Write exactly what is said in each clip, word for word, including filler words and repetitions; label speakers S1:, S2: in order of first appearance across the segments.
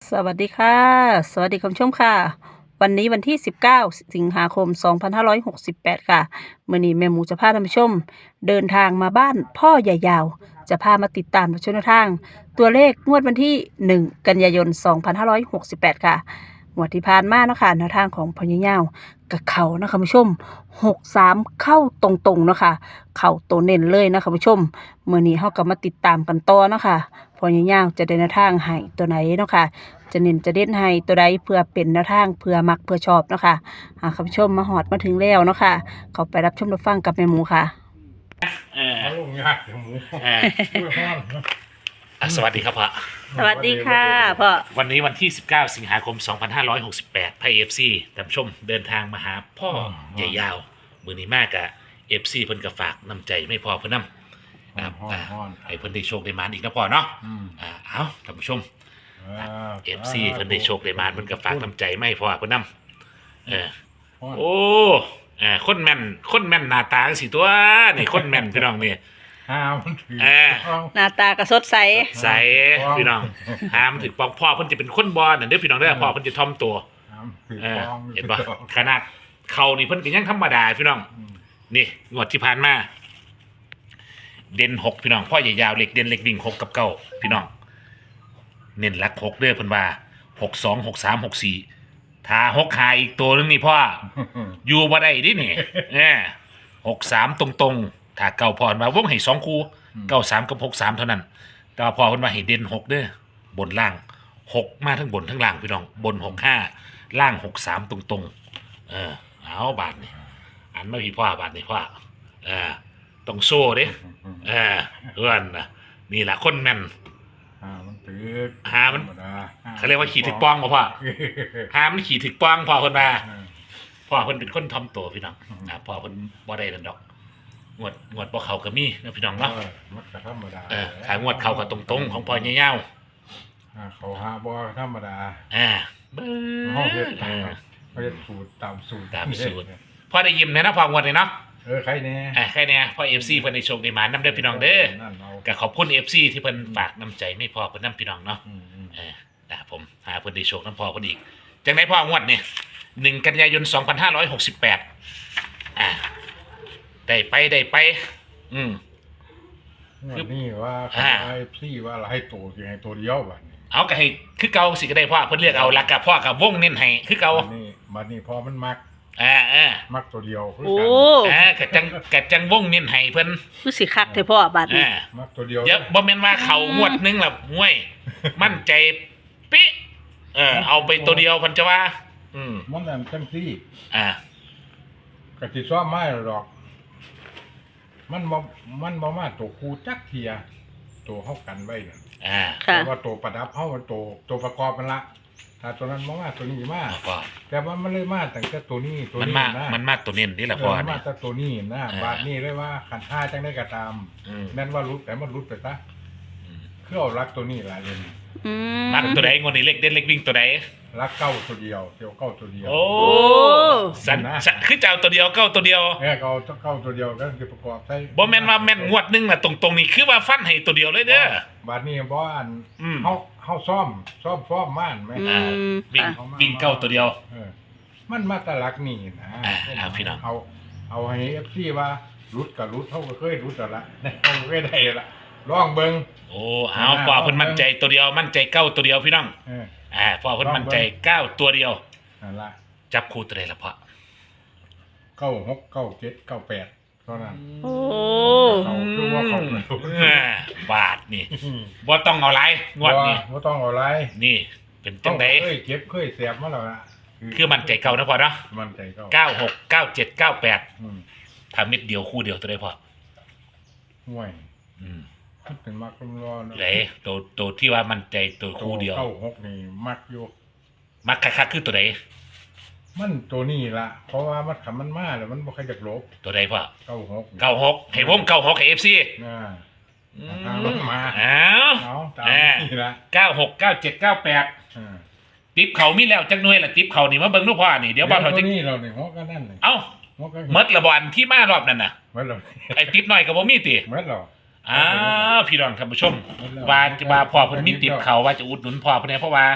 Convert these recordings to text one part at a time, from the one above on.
S1: สวัสดีค่ะสวัสดีคุณผู้ชมค่ะวันนี้วันที่สิบเก้าสิงหาคมสองพันห้าร้อยหกสิบแปดค่ะมื้อนี้แม่หมูจะพาท่านผู้ชมเดินทางมาบ้านพ่อใหญ่ยาวจะพามาติดตามชมทางตัวเลขงวดวันที่หนึ่งกันยายนสองพันห้าร้อยหกสิบแปดค่ะงวดที่ผ่านมาเนาะค่ะแนวทางของพ่อใหญ่ยาวกับเขานะคะคุณผู้ชมหกสามเข้าตรงๆเนาะค่ะเข้าตัวเน้นเลยนะคะคุณผู้ชมมื้อนี้เฮาก็มาติดตามกันต่อเนาะค่ะพ่อใหญ่ยาวจะเดินทางให้ตัวไหนเนาะค่ะจะเน้นจะเด่นให้ตัวใดเพื่อเป็นแนวทางเพื่อมักเพื่อชอบเนาะค่ะหากคุณผู้ชมมาหอดมาถึงแล้วเนาะค่ะเขาไปรับชมรับฟังกับแม่หมูค่ะ
S2: เออ
S3: เอาลงยากจังหมู
S2: เออ
S3: ช่วยห้อนเนอะ
S2: อ่ะสวัสดีครับพ่อ
S1: สวัสดีค่ะพ่อ
S2: วันนี้วันที่สิบเก้าสิงหาคมสองพันห้าร้อยหกสิบแปดไพ่เอฟซีท่านผู้ชมเดินทางมาหาพ่อใหญ่ยาวมือนี้มากอะเอฟซีเพิ่นก็ฝากน้ำใจไม่พอเพิ่นนํนะครับ
S3: ห้อน
S2: อ่า
S3: ห้อน
S2: ให้เพิ่นได้โชคได้มานอีกนะพ่อเนาะ
S3: อืม
S2: อ่าเอาท่านผู้ชม
S3: อ่า
S2: เอฟซีเพิ่นได้โชคได้มานเพิ่นก็ฝากน้ำใจไม่พอเพิ่นนํเออ
S3: ห้อน
S2: โอ้อ่าคนแม่นคนแม่นหน้าตาจังสิตัวนี่คนแม่นพี่น้องนี่
S3: ห้ามันถือ
S2: เออ
S3: ต้อง
S1: หน้าตากระสดใส
S2: ใส่พี่น้องหามถึงปองพ่อเพิ่นจะเป็นคนบอลน่ะเด้อพี่น้องเด้อพ่อเพิ่นจะทอมตัว
S3: ห้ามถือ
S2: เออ
S3: ต้อง
S2: เห็นปะขนาดเขานี่เพิ่นก็ยังธรรมดาพี่น้อง
S3: อืม
S2: นี่งวดที่ผ่านมาเด่นหกพี่น้องพ่อใหญ่ยาวเล็กเด่นเล็กวิ่งหกกับเก้าพี่น้อง เน้นหลักหกเด้อเพิ่นว่าหกสองหกสามหกสี่ถ้าหกหาอีกตัวนึงนี่พ่ออยู่บ่ได้ดินี่เออหกสามตรงๆถ้าเก้าพรมาวงให้สองคู่เก้าสามกับหกสามเท่านั้นแต่ว่าพอเพิ่นว่าให้เด่นหกเด้อบนล่างหกมาทั้งบนทั้งล่างพี่น้องบนหกห้าล่างหกสามตรงๆเออเอาบาทนี่อันไม่พี่พ่อบาทนี่พ่อเออต้องโซ่เด้เออเพื่อนนะนี่แหละคนแม่น
S3: ห้ามันถือ
S2: หามัน
S3: ธรรด
S2: เขาเรียกว่าขี่ถึกป้องบ่พ่อหามันขี่ถึกป้องพ่อเพิ่นว่า
S3: เออ
S2: พ่อเพิ่นเป็นคนทำตัวพี่น้องนะพ่อเพิ่นบ่ได้นั่นดอกงวดงวดบ่เข้าก็มีนะพี่น้องเนาะ
S3: เออมันก็ธรรมดา
S2: เออขางวดเข้าก็ตรงๆของพ่อใหญ่ๆ
S3: อ่าเขาหาบ่ธรรมดา
S2: อ่าเบ้
S3: ห้องเฮ็ด
S2: อ
S3: ตามเขาเฮ็ดสูตรตามสูตร
S2: ตามสูตร พ่อได้ยิ้มเลยนะพ่องวดนี้เนาะ
S3: เออใครแน่
S2: อ่าแค่เนี้ยพ่อ เอฟ ซี เพิ่นได้โชคได้หมานำเด้อพี่น้องเด้อ
S3: นั่นเอา
S2: ก็ขอบคุณ เอฟ ซี ที่เพิ่นฝากน้ำใจไม่พอเพิ่นนํพี่น้องเนาะ
S3: อืมอืม
S2: เออนะครับผมหาเพิ่นได้โชคน้ำพอเพิ่นอีกจังได๋พ่องวดนี่หนึ่งกันยายนสองพันห้าร้อยหกสิบแปดอ่าได้ไปได้ไป อืม
S3: วันนี้ว่า
S2: อ่า
S3: ไอ้พี่ว่าให้ตัวสิให้ตัวเดียวบัดนี้
S2: เอาก็ให้คือเก่าสิก็ได้พ่อเพิ่นเลือกเอาแล้วก็พ่อก็วงเน้นให้คือเก่า
S3: บัดนี้บัดนี้พอมันมัก
S2: อ่าอ่า
S3: มักตัวเดียวคือ
S1: โอ้
S3: กัน
S2: อ่าก็จังก็จังวงเน้นให้เพิ่น
S1: คือสิคักเถอะพ่อบาดนี้
S2: อ่า
S3: มักตัวเดียว
S2: เดี๋ยวบ่แม่นว่าเขางวดหนึงล่ะห้วย มั่นใจปิ๊เออเอาไปตัวเดียวเพิ่นจะว่า อืม
S3: มันนั่นจังซี่
S2: อ่า
S3: ก็สิซ้อมไม้หรอก มันบ่มันบ่มาตัวคูจักเทียตัวเฮากันไว้นั่น
S2: อ่า
S1: ค่ะ
S3: แต่ว่าตัวประดับเฮามันตัวตัวประกอบมันละถ้าตัวนั้นบ่มาตัวนี้มา
S2: เอาพ่อ
S3: แต่ว่ามันเลยมาตั้งแต่ตัวนี้ตัว
S2: มัน
S3: นี้
S2: มา
S3: นะ
S2: มันมาตัวเน้นนี่แหละ
S3: เอ
S2: พ่อ
S3: อมัน
S2: นี่
S3: มาแต่ตัวนี้นะ
S2: เออ
S3: บาดนี้เลยว่าขันห้าจังได้ก็ตาม
S2: อืม
S3: แม่นว่ารุดแต่มันรุดไปซะ
S2: อืม
S3: คือเอารักตัวนี้ล่ะเดี๋ยวนี้
S1: อืม
S2: มักตัวใดงวดนี้เล็กเด่นเล็กวิ่งตัวใด
S3: รักเก้าตัวเดียวเดียวเก้าตัวเดียว
S2: โอ้
S1: โอ้
S2: สันสันคือเจ้าตัวเดียวเก้าตัวเดียว
S3: เออเก้าเก้าตัวเดียวก็คือประกอบใส่
S2: บ่แม่นว่าแม่นงวดหนึงน่ะตรงๆนี่คือว่าฟันให้ตัวเดียวเลยเด้อบ
S3: าดนี้บ่อัน
S2: อืม
S3: เฮาเฮาซ่อมซ่อมซ่อมม่านไหม
S1: อืม
S2: วิ่ง
S1: ค่ะ
S2: วิ่งเก้าตัวเดียว
S3: เออมันมาแตะลักนี่นะ
S2: อ่าอ่าพี่น้อง
S3: เอาเอาให้ เอฟ ซี ว่ารุดกับรุดเฮาก็เคยรุดแล้วละ เฮาก็เคยได้ละลองเบิ่ง
S2: โอ้เอาพ่อเพิ่นมั่นใจตัวเดียวมั่นใจเก้าตัวเดียวพี่น้อง
S3: เออ
S2: อ่าพ่อเพิ่นมั่นใจเก้าตัวเดียว
S3: นั่นล่ะ
S2: จับคู่ตัวใดล่ะพ่อ
S3: เก้าหก เก้าเจ็ด เก้าแปดเท่านั้น
S1: โอ้
S3: เขาคือว่าเขา
S2: อ่าบาทนี่บ่ต้องเอาหลายงวดนี้
S3: บ่ต้องเอาอะไร
S2: นี่เป็นจังได๋
S3: เคยเก็บเคยเสียบมาแล้วล่ะ
S2: คือมั่นใจเก่านะพ่อเนาะ
S3: มันใจเก้า
S2: เก้าหก เก้าเจ็ด เก้าแปด
S3: อืม
S2: ถ้าเม็ดเดียวคู่เดียวตัวใดพ่อ
S3: ห่วย
S2: อืม
S3: มันเป็นมักรอเนาะ
S2: ไหนตัวตัวที่ว่ามั่นใจตัวคู่เดียว
S3: เก้าหกนี่มักอยู่
S2: มักคักๆคือตัวใด
S3: มันตัวนี้ล่ะ เพราะว่ามันขำมันมาแล้วมันบ่ค่อยจะลบ
S2: ตัวใดพ่อ
S3: เก้าหก
S2: เก้าหกให้วงเก้าหกให้ เอฟ ซี
S3: น่า
S2: อื
S3: ทางรถมา
S2: อ้าว
S3: เอาตาม
S2: อ่า
S3: นี่ละ
S2: เก้าหก เก้าเจ็ด เก้าแปด
S3: อ่า
S2: ติ๊บเขามีแล้วจักหน่วยละติ๊บเขานี่มาเบิ่งลูกพ่อนี่เดี๋ยวบ่าวเฒ่า
S3: ตั
S2: จะ
S3: วนี้เราเนี่ยหัวก็นั่นเลย
S2: เอ้า
S3: หัวก็
S2: หมดละบ่อันที่มารอบนั้นน่ะ
S3: เมื่อเรา
S2: ไอ้ติ๊บน้อยก็บ่มีติ
S3: เมื่อเรา
S2: อ้าวพี่น้องท่านผู้ชมว่าจะว่าพ่อเพิ่นมีติ๊บเขาว่าจะอุดหนุนพ่อเพิ่นเนี่ยเพราะว่า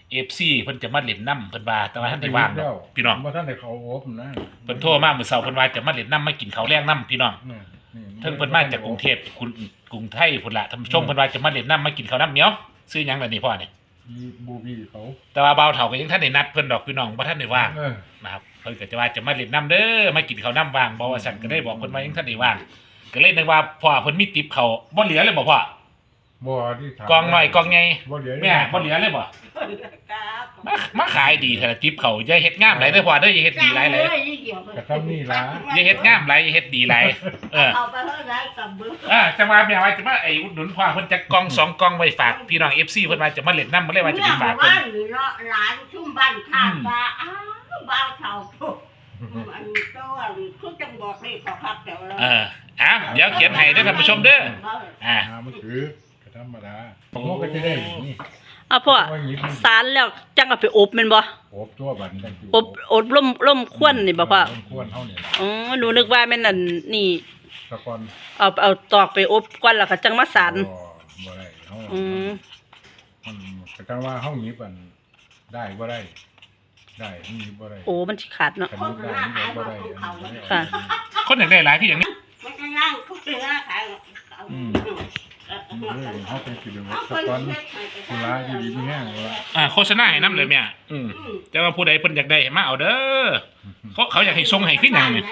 S2: เอฟซีเพิ่นจะมาเล่นน้ำเพิ่นว่าแต่ว่าท่านได้ว่างดอกพี่น้อง
S3: บ่ท่านได้เขาอบนะ
S2: เพิ่นโทรมาเมื่อเช้าเพิ่นว่าจะมาเล่นน้ำมากินข้าวแรงน้ำพี่น้อง
S3: นี่นี่
S2: เพิ่งเพิ่นมาจากกรุงเทพกรุงกรุงไทยพุ่นละท่านผู้ชมเพิ่นว่าจะมาเล่นน้ำมากินข้าวน้ำเหนียวซื้อหยังล่ะนี่พ่อนี่
S3: มีบูบี้เขา
S2: แต่ว่าเบาเฒ่าก็ยังท่านได้นัดเพิ่นดอกพี่น้องบ่ท่านได้ว่าง
S3: เออ
S2: นะครับเพิ่นก็จะว่าจะมาเล่นน้ำเด้อมากินข้าวน้ำว่างบ่ว่าซั่นก็ได้บอกเพิ่นว่ายังท่านได้ว่างก็เลยนึกว่าพ่อเพิ่นมีติปเขาบ่เหลือเลยบ่พ่อ
S3: บ่ที่ถาม
S2: กองน้อยกองใหญ่
S3: บ่เหลือ
S2: แม่บ่เหลือเลยบ่
S4: ครับ
S2: มามาขายดีแท้ละติปเขาอย่าเฮ็ดงามหลายเด้อพ่อเด้ออย่าเฮ็ดดีหลายเลย
S3: กระทำนี่ล่ะ
S2: อย่าเฮ็ดงามหลายอย่าเฮ็ดดีหลายเออ
S4: เอาไปเท่าไหร่กับเบอร์
S2: อ่าจังว่าแม่ว่าจะมาไอ้อุดหนุนพ่อเพิ่นจะกล่องสองกล่องไว้ฝากพี่น้อง เอฟ ซี เพิ่นว่าจะมาเล่นน้ำบ่เลยว่าจะไปฝากเพิ่น
S4: บ้านหรือเนาะร้านชุ่มบ้านข้างว่าอ้าวบ้านเขาปุ๊บอันตัวคือจังบอกเลยขอพักเดี๋ยวเรา
S2: เอออ้าวเดี๋ยวเขียนให้เด้อท่านผู้ชมเด้ออ่า
S3: อ่ามันคือกระธรรมดาโมก็จะได้นี่
S1: อ่ะพ่อ
S3: ว่าหยิบมัน
S1: สารแล้วจังเอาไปอบแม่นบ่
S3: อบตัวบันจังสิ
S1: อบอบล่มล่มควนนี่บ่พ่อ
S3: ควรเฮานี่ล่ะ
S1: อ๋อหนูนึกว่าแม่นอันนี่
S3: ตะกอน
S1: เอาเอาตอกไปอบก่อนแล้วก็จังมาสาร
S3: บ่บ่ได้เฮา
S1: อืม
S3: มันก็จังว่าเฮาหยิบอันได้บ่ได้ ได้หยิบบ่ได้
S1: โอ้มันสิขาดเนาะ
S3: คันหยิบได้หยิบบ่ได้
S1: ค่ะ
S2: คนอยากได้หลายคืออย่างนี้
S4: มันจะนั่งทุกเดือนขาย
S3: อืมเออเฮาเป็นสิเป็นตะกอนสุราอยู่ดีมีแห้งว่า
S2: อ่าโฆษณาให้น้ำเลยแม่อืมแต่ว่าผู้ใดเพิ่นอยากได้มาเอาเด้อเขาเขาอยากให้ส่งให้คือหยังนี่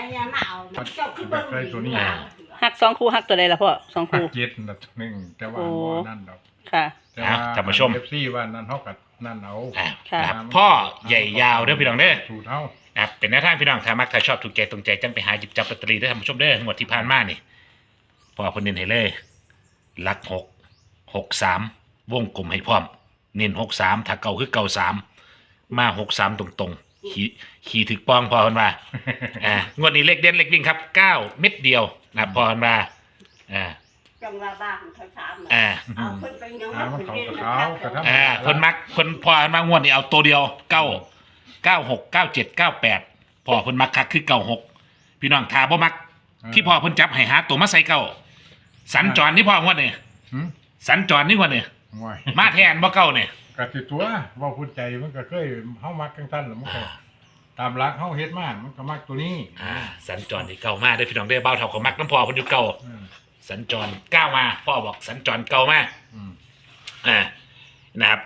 S1: หักสองคู่หักตัวใดล่ะพ่อสอง
S3: หัก
S1: คู่
S3: เจ็ดนัดหนึงแต่ว่า
S1: โอ้
S3: บ่นั่นดอก
S1: ค่ะ
S3: แต่ว่า
S2: ท่านผู้ชม
S3: เอฟซีว่านั่นเฮาก็นั่นเอา
S2: อ่า
S1: ค่ะ
S2: นะครับพ่อใหญ่ยาวเด้อพี่น้องเด้อ
S3: สูตรเฮา
S2: นะครับเป็นแนวทางพี่น้องถ้ามักถ้าชอบถูกใจตรงใจจังไปหาหยิบจับลอตเตอรี่ได้อท่านผู้ชมเด้อหมดที่ผ่านมานี่พอเพิ่นเน้นให้เลยหลักหกหกสามวงกลมให้พร้อมเน้นหกสามถ้าเก่าคือเก่าสามมาหกสามตรงๆขี่ขี่ถึกปองพอเพิ่นว่าอ่างวดนี้เลขเด่นเลขวิ่งครับเก้าเม็ดเดียวนะครับพอเพิ่นว่าอ่า
S4: จังว่าบ้านเขาถาม
S2: อ่า
S4: เอาเพิ่นไปยัง
S3: อ่ามันเขากับเขากระทำ
S2: อ่าเพิ่นมักเพิ่นพอเพิ่นมางวดนี้เอาตัวเดียวเก้าเก้าหกเก้าเจ็ดเก้าแปดพอเพิ่นมักคักคือเก้าหกพี่น้องถ้าบ่มัก ที่พ่อเพิ่นจับให้หาตัวมาใส่เก้าสัญจรนี่พ่องวดนี่
S3: หึ
S2: สัญจรนี่งวดนี่
S3: ห่วย
S2: มาแทนบ่เก้านี่
S3: ก็สิตัวเว้าพูดใจมันก็เคยเฮามักจังซั่นล่ะมันก็ตามหลักเฮาเฮ็ดมามันก็มักตัวนี้
S2: อ่าสัญจรนี่เก้ามาเด้อพี่น้องเด้อเบาเท่าก็มักน้ำพ่อเพิ่นอยู่เก้า
S3: อืม
S2: สัญจรเก้ามาพ่อบอกสัญจรเก้ามา
S3: อืม
S2: อ่านะครับ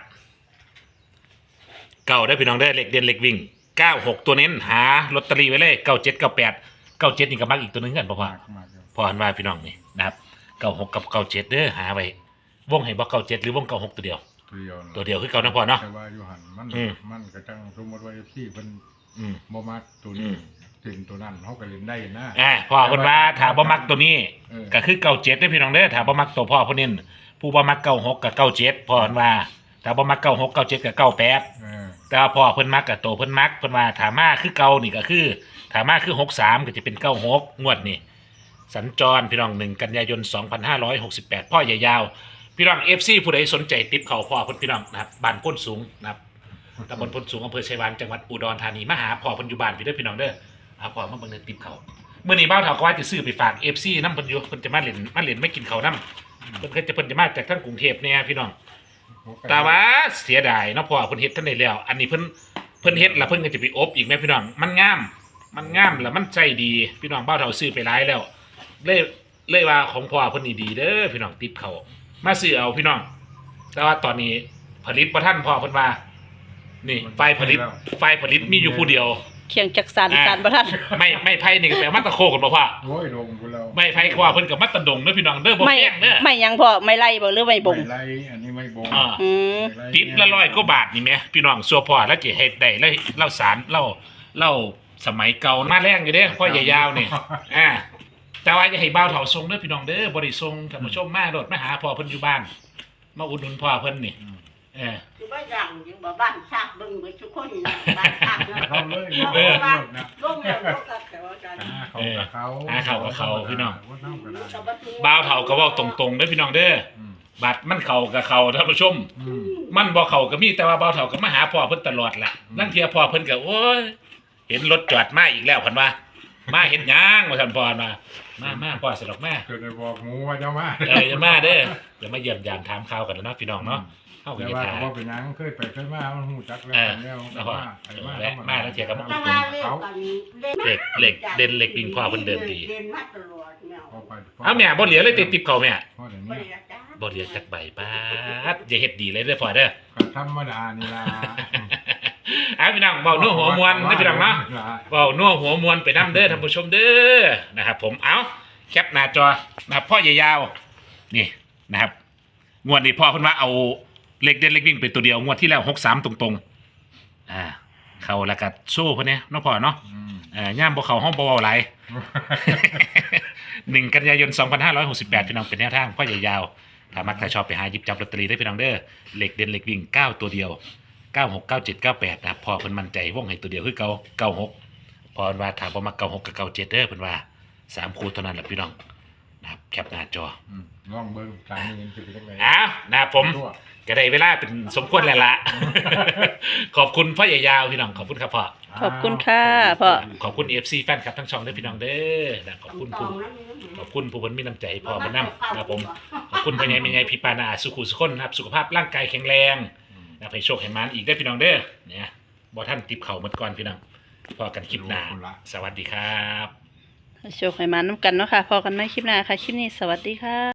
S2: เก้าได้อพี่น้องเด้อเลขเด่นเลขวิ่งเก้าหกตัวเน้นหาลอตเตอรี่ไว้เลยเก้าเจ็ดเก้าแปดเก้าเจ็ดนี่ก็มักอีกตัวหนึงกันบ่พ่อ
S3: มากมากอยู่
S2: พอหันว่าพี่น้องนี่นะครับเก้าหกกับเก้าเจ็ดเด้อหาไว้วงให้บ่เก้าเจ็ดหรือวงเก้าหกตัวเดียว
S3: ตัวเดียวนั่น
S2: ตัวเดียวคือเก่านะพ่อเนาะ
S3: แต่ว่าอยู่หั่นมัน
S2: อืม
S3: มันก็จังสมมุติว่า เอฟ ซี เพิ่น
S2: อืม
S3: บ่มักตัว
S2: อื
S3: นี้
S2: ม
S3: ถึงตัวนั้นเฮาก็เล่นได้นะ
S2: อ่าพ่อคนว่าถ้าบ่มักตัวนี้
S3: เออ
S2: ก็คือเก้าเจ็ดได้อพี่น้องเด้อถ้าบ่มักตัวพ่อผู้นี้ผู้บ่มักเก้าหกกับเก้าเจ็ดพ่อคนว่าถ้าบ่มักเก้าหกเก้าเจ็ดกับเก้าแปด
S3: เออ
S2: แต่ว่าพ่อเพิ่นมักกับตัวเพิ่นมักเพิ่นว่าถ้ามาคือเก่านี่ก็คือถ้ามาคือหกสามก็จะเป็นเก้าหกงวดนี่สัญจรพี่น้องหนึ่งกันยายนสองพันห้าร้อยหกสิบแปดพ่อใหญ่ยาวพี่น้อง เอฟ ซี ผู้ใดสนใจติปเขาพ่อเพิ่นพี่น้องนะครับบ้านพ้นสูงนะครับตำบลพ้นสูงอำเภอชัยวานจังหวัดอุดรธานีมาหาพ่อเพิ่นอยู่บ้านพี่เด้อพี่น้องเด้อเอาพ่อมาเบิ่งในติปเขาเมื่อนี้บ้าวเฒ่าก็ว่าจะซื้อไปฝาก เอฟ ซี นำเพิ่นอยู่เพิ่นจะมาเล่นมาเล่นไม่กินข้าวนำเพิ่นก็จะเพิ่นจะมาจากทางกรุงเทพเนี่ยพี่น้องแต่ว่าเสียดายเนาะพ่อเพิ่นเฮ็ดทันได้แล้วอันนี้เพิ่นเพิ่นเฮ็ดแล้วเพิ่นก็จะไปอบอีกแม่พี่น้องมันงามมันงามแล้วมันใจดีพี่น้องบ้าวเฒ่าซื้อไปหลายแล้วเลยเลยว่าของพ่อเพิ่นนี่ดีเด้อพี่น้องติปเขามาซื้อเอาพี่น้องแต่ว่าตอนนี้ผลิตบ่ทันพ่อเพิ่นว่านี่ไฟผลิตไฟผลิตมีอยู่ผู้เดียว
S1: เคียงจักสารสารบ่ทัน
S2: ไม่ไม่ไพ่นี่ก็แปลว่าตะโคกันบ่พ่อ
S3: โอ้ยลงกูแล้ว
S2: ไม่ไพ่ก็ว่าเพิ่นกับมัตตะดงเด้อพี่น้องเด้อบ่
S1: ไม่
S2: แพงเด้อ
S1: ไม่หยังพ่อไม่ไล่บ่หรือไม่บ่ง
S3: ไม่ไรอันนี้ไม่บง
S2: อ่า
S1: อืม
S3: ไม่ไ
S2: ติดละร้อยกว่าบาทนี่แหมพี่น้องซัวพ่อแล้วจะเฮ็ดได้แล้วเล่าสารเล่าเล่าสมัยเก่ามาแรงอยู่เด้อพ่อใหญ่ยาวนี่อ่าแต่ว่าอย่าให้บ่าวเฒ่าทรงเด้อพี่น้องเด้อบ่ได้ทรงท่านผู้ชมมาโดดมาหาพ่อเพิ่นอยู่บ้านมาอุดหนุนพ่อเพิ่นนี่เออ
S4: คือบ้านดังอยู่บ่บ้านชาติเบิ่งเบิดทุกคนบ้านชาติเนาะ
S3: เขาเลย
S4: เออบ้านลงแล้วลงกับแต่ว่ากัน
S3: อ่าเขากับเขา
S2: อ่าเขากับเขาพี่น้อง
S3: ว่าเท่ากันได้
S2: บ่าวเฒ่าก็เว้าตรงๆเด้อพี่น้องเด้อ
S3: อืม
S2: บัตรมันเข้ากับเขาท่านผู้ชม
S3: อืม
S2: มันบ่เข้าก็มีแต่ว่าบ่าวเฒ่าก็มาหาพ่อเพิ่นตลอดล่ะ
S3: อืม
S2: ลางเที่ยพ่อเพิ่นก็โอ้ยเห็นรถจอดมาอีกแล้วเพิ่นว่า มาเฮ็ดหยังว่าซั่นพ่อมามามาพ่อสิดอกมา
S3: เกิดได้บอกหมูว่าจะมา
S2: เอออย่ามาเด้อเดี๋ยวมาเยี่ยมยามถามข่าวกันแล้วเนาะพี่น้องเนาะเข้ากั
S3: แต่
S2: น
S3: ว่า
S2: ทา
S3: ก็บ่เป็นหยังเคยไปเคยมามันฮู้จักแล้ว
S2: เออ
S3: แล้ว
S2: แล้วก็
S3: มาไปมา
S2: แวะมาแล้วเที่ยวกับ
S4: แต่ว่าเล่น
S3: เขา
S4: กัน
S2: เหล็กเหล็กเด่นเหล็กวิ่งพ่อเพิ่นเดินดี
S4: เด่นมาตลอดเนี่ย
S3: พอไป
S2: เอาแม่บ่เหลียวเลยติดติบเขาแม่
S3: พอเดี๋ยว
S4: บ่
S3: นี้
S4: ได้จ้า
S2: บ่เหลียวจักใบป้าดอย่าเฮ็ดดีเลยเด้อพ่อเด้อ
S3: ก็ธรรมดานี่ล่ะ
S2: เอาพี่น้องเว้านัวหัวมวนเด้อพี่น้องเนาะเว้านัวหัวมวนไปนํเด้อท่านผู้ชมเด้อนะครับผมเอาแคปหน้าจอนะครับพ่อใหญ่ยาวนี่นะครับงวดนี้พ่อเพิ่นว่าเอาเลขเด่นเลขวิ่งเป็นตัวเดียวงวดที่แล้วหกสามตรงๆอ่าเข้าแล้วก็โซ่เพิ่นเนี่ยเนาะพ่อเนาะ
S3: อืม
S2: เอ่อย่ามบ่เข้าห้องบ่เว้าหลาย หนึ่งกันยายนสองพันห้าร้อยหกสิบแปดพี่น้องเป็นแนวทางพ่อใหญ่ยาวถ้ามักถ้าชอบไปหาหยิบจับลอตเตอรี่ได้พี่น้องเด้อเหล็กเด่นเหล็กวิ่งเก้าตัวเดียวเก้าหกเก้าเจ็ดเก้าแปดนะครับพอเพิ่นมั่นใจวงให้ตัวเดียวคือเก่าเก้าหกพอเพิ่นว่าถ้าบ่มักเก้าหกกับเก้าเจ็ดเด้อเพิ่นว่าสามคู่เท่านั้นแหละพี่น้องนะครับแคปหน้าจอ
S3: อืมลองเบิ่งทางนี้สิเป็นจังได๋
S2: อ้าวนะครับผมก็ได้เวลาเป็นสมควรแล้วล่ะ ขอบคุณพ่อใหญ่ยาวพี่น้องขอบคุณครับพ่อ
S1: ขอบคุณค่ะพ่อ
S2: ขอบคุณ เอฟ ซี แฟนคลับทั้งช่องเด้อพี่น้องเด้อนะขอบคุณผู้ขอบคุณผู้เพิ่นมีน้ำใจพ่อมานำนะครับผมขอบคุณพ่อใหญ่แม่ใหญ่พี่ปานาสุขุสุขคนนะครับสุขภาพร่างกายแข็งแรงนะครับให้โชคให้มานอีกได้อพี่น้องเด้อเนี่ยบ่ท่านติบเข่าหมดก่อนพี่น้องพอกันคลิปหน้าสวัสดีครับ
S1: โชคให้มาน้ำกันเนาะค่ะพอกันไหมคลิปหน้าค่ะ คลิปนี้สวัสดีค่ะ